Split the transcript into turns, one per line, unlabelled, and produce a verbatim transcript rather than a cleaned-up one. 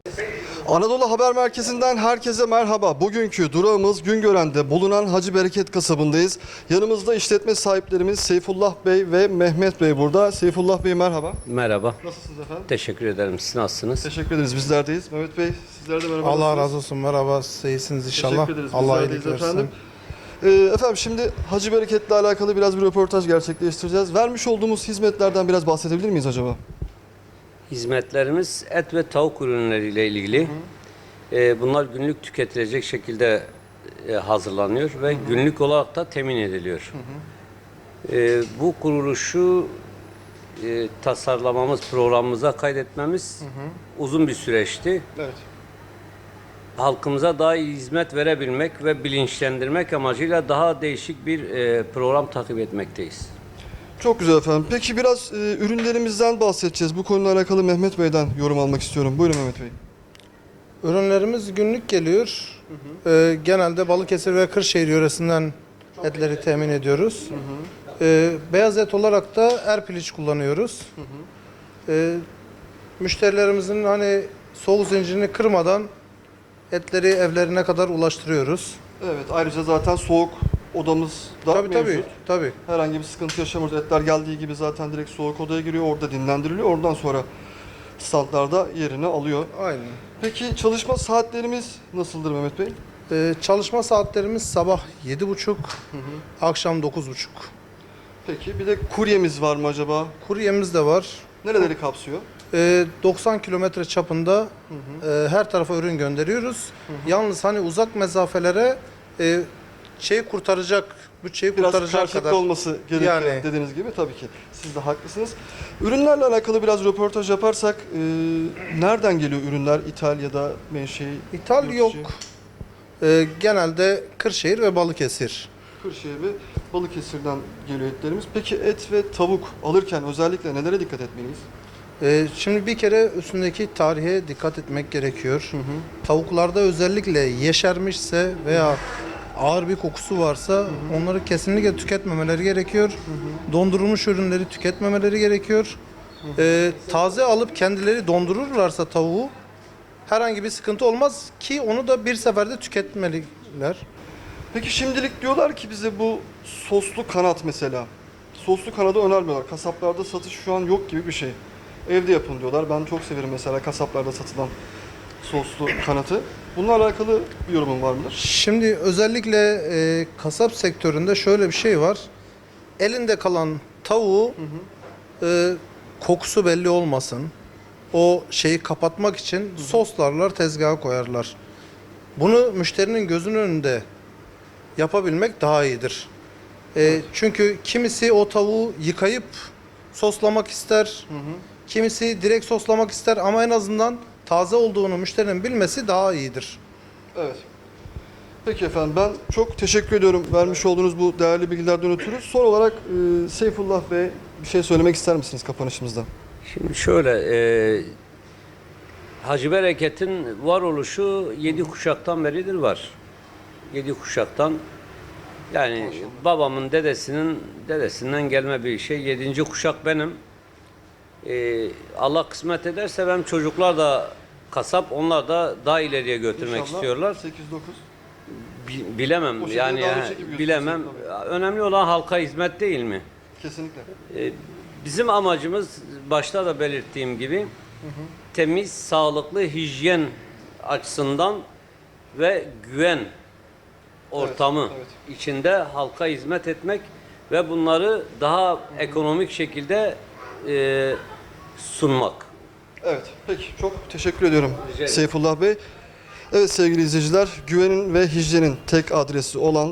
Anadolu Haber Merkezi'nden herkese merhaba. Bugünkü durağımız Güngören'de bulunan Hacı Bereket kasabındayız. Yanımızda işletme sahiplerimiz Seyfullah Bey ve Mehmet Bey burada. Seyfullah Bey merhaba.
Merhaba.
Nasılsınız efendim?
Teşekkür ederim. Siz nasılsınız?
Teşekkür ederiz. Bizlerdeyiz. Mehmet Bey sizler de merhaba.
Allah
nasılsınız?
razı olsun. Merhaba. İyisiniz inşallah.
Teşekkür ederiz.
Allah
Bizlerdeyiz
iyilik versin.
efendim. Ee, efendim şimdi Hacı Bereket'le alakalı biraz bir röportaj gerçekleştireceğiz. Vermiş olduğumuz hizmetlerden biraz bahsedebilir miyiz acaba?
Hizmetlerimiz et ve tavuk ürünleriyle ilgili. Ee, bunlar günlük tüketilecek şekilde e, hazırlanıyor ve hı hı. günlük olarak da temin ediliyor. Hı hı. Ee, bu kuruluşu e, tasarlamamız, programımıza kaydetmemiz hı hı. uzun bir süreçti.
Evet.
Halkımıza daha iyi hizmet verebilmek ve bilinçlendirmek amacıyla daha değişik bir e, program takip etmekteyiz.
Çok güzel efendim. Peki biraz e, ürünlerimizden bahsedeceğiz. Bu konuyla alakalı Mehmet Bey'den yorum almak istiyorum. Buyurun Mehmet Bey.
Ürünlerimiz günlük geliyor. Hı hı. Ee, genelde Balıkesir ve Kırşehir yöresinden Çok etleri iyi. temin ediyoruz. Hı hı. Ee, beyaz et olarak da Erpiliç kullanıyoruz. Hı hı. Ee, müşterilerimizin hani soğuk zincirini kırmadan etleri evlerine kadar ulaştırıyoruz.
Evet, ayrıca zaten soğuk odamız da
tabii,
mevcut.
Tabii, tabii.
Herhangi bir sıkıntı yaşamıyoruz. Etler geldiği gibi zaten direkt soğuk odaya giriyor, orada dinlendiriliyor. Oradan sonra standlarda yerini alıyor.
Aynen.
Peki çalışma saatlerimiz nasıldır Mehmet Bey?
Ee, çalışma saatlerimiz sabah yedi buçuk, akşam dokuz buçuk.
Peki bir de kuryemiz var mı acaba?
Kuryemiz de var.
Nereleri kapsıyor?
Ee, doksan kilometre çapında hı hı. E, her tarafa ürün gönderiyoruz. Hı hı. Yalnız hani uzak mesafelere e, şeyi kurtaracak, bütçeyi
biraz
kurtaracak
karşılıklı
kadar
olması gerekiyor
yani.
Dediğiniz gibi tabii ki. Siz de haklısınız. Ürünlerle alakalı biraz röportaj yaparsak e, nereden geliyor ürünler? İthal ya da menşei?
İthal yok. E, genelde Kırşehir ve Balıkesir.
Kırşehir ve Balıkesir'den geliyor etlerimiz. Peki et ve tavuk alırken özellikle nelere dikkat etmeliyiz?
Ee, şimdi bir kere üstündeki tarihe dikkat etmek gerekiyor. Hı hı. Tavuklarda özellikle yeşermişse veya ağır bir kokusu varsa hı hı. onları kesinlikle tüketmemeleri gerekiyor. Hı hı. Dondurulmuş ürünleri tüketmemeleri gerekiyor. Hı hı. Ee, taze alıp kendileri dondururlarsa tavuğu herhangi bir sıkıntı olmaz ki onu da bir seferde tüketmeliler.
Peki şimdilik diyorlar ki bize bu soslu kanat mesela. Soslu kanadı önermiyorlar. Kasaplarda satış şu an yok gibi bir şey. Evde yapın diyorlar. Ben çok severim mesela kasaplarda satılan soslu kanatı. Bununla alakalı bir yorumun var mıdır?
Şimdi özellikle e, kasap sektöründe şöyle bir şey var. Elinde kalan tavuğu hı hı. E, kokusu belli olmasın. O şeyi kapatmak için hı hı. soslarlar, tezgaha koyarlar. Bunu müşterinin gözünün önünde yapabilmek daha iyidir. E, evet. Çünkü kimisi o tavuğu yıkayıp soslamak ister. Hı hı. Kimisi direkt soslamak ister ama en azından taze olduğunu müşterinin bilmesi daha iyidir.
Evet. Peki efendim, ben çok teşekkür ediyorum vermiş olduğunuz bu değerli bilgilerden ötürü. Son olarak e, Seyfullah Bey bir şey söylemek ister misiniz kapanışımızda?
Şimdi şöyle, e, Hacı Bereket'in varoluşu yedi kuşaktan beridir var. Yedi kuşaktan, yani Maşallah. babamın dedesinin dedesinden gelme bir şey. Yedinci kuşak benim. Ee, Allah kısmet ederse benim çocuklar da kasap, onlar da daha ileriye götürmek İnşallah istiyorlar.
sekiz dokuz
Bi, bilemem yani, yani bilemem. Önemli olan halka hizmet değil mi?
Kesinlikle.
Ee, bizim amacımız başta da belirttiğim gibi hı hı. temiz, sağlıklı, hijyen açısından ve güven ortamı evet, evet. içinde halka hizmet etmek ve bunları daha hı hı. ekonomik şekilde e, sunmak.
Evet, peki. Çok teşekkür ediyorum Seyfullah Bey. Evet sevgili izleyiciler, güvenin ve hijyenin tek adresi olan